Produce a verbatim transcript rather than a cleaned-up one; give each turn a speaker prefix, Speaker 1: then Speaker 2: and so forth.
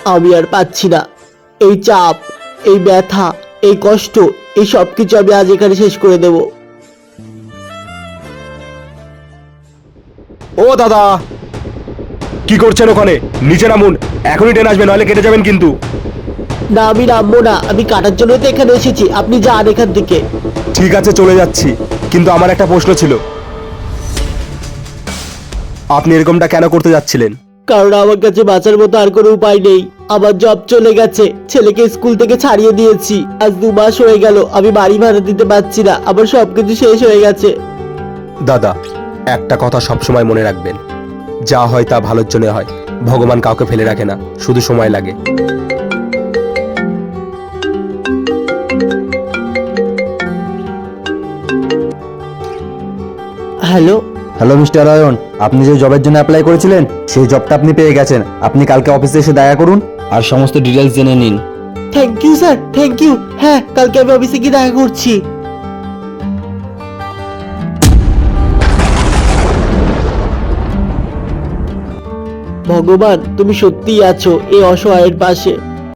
Speaker 1: আমি আর পাচ্ছি না। এই চাপ, এই ব্যথা, এই কষ্ট, এই সব কিছু আমি আজ এখানে শেষ করে দেব।
Speaker 2: ও দাদা, কি করছেন ওখানে? নিচে নামুন, এখনই ট্রেন আসবে, নাহলে কেটে যাবেন কিন্তু।
Speaker 1: না, আমি নামবো না। আমি কাটার জন্য তো এখানে এসেছি। আপনি যান এখান থেকে।
Speaker 2: ঠিক আছে, চলে যাচ্ছি, কিন্তু আমার একটা প্রশ্ন ছিল। আপনি এরকমটা কেন করতে যাচ্ছিলেন?
Speaker 1: কারণ আমার কাছে বাঁচার মতো আর কোনো উপায় নেই। আমার জব চলে গেছে, ছেলেকে স্কুল থেকে ছাড়িয়ে দিয়েছি। আজ দু মাস হয়ে গেল, আমি বাড়ি ভাড়া দিতে পারছি না। আমার সবকিছু শেষ হয়ে গেছে।
Speaker 2: দাদা, একটা কথা সবসময় মনে রাখবেন, যা হয় তা ভালোর জন্য হয়। ভগবান কাউকে ফেলে রাখে না, শুধু সময় লাগে।
Speaker 1: হ্যালো।
Speaker 3: হ্যালো মিস্টার অয়ন, আপনি যে জবের জন্য অ্যাপ্লাই করেছিলেন সেই জবটা আপনি পেয়ে গেছেন। আপনি কালকে অফিসে এসে দেখা করুন আর সমস্ত ডিটেলস জেনে নিন।
Speaker 1: Thank you sir, thank you. হ্যাঁ, কালকে আমি অফিসে গিয়ে দেখা করছি। ভগবান, তুমি সত্যিই আছো এই অসহায়ের পাশে।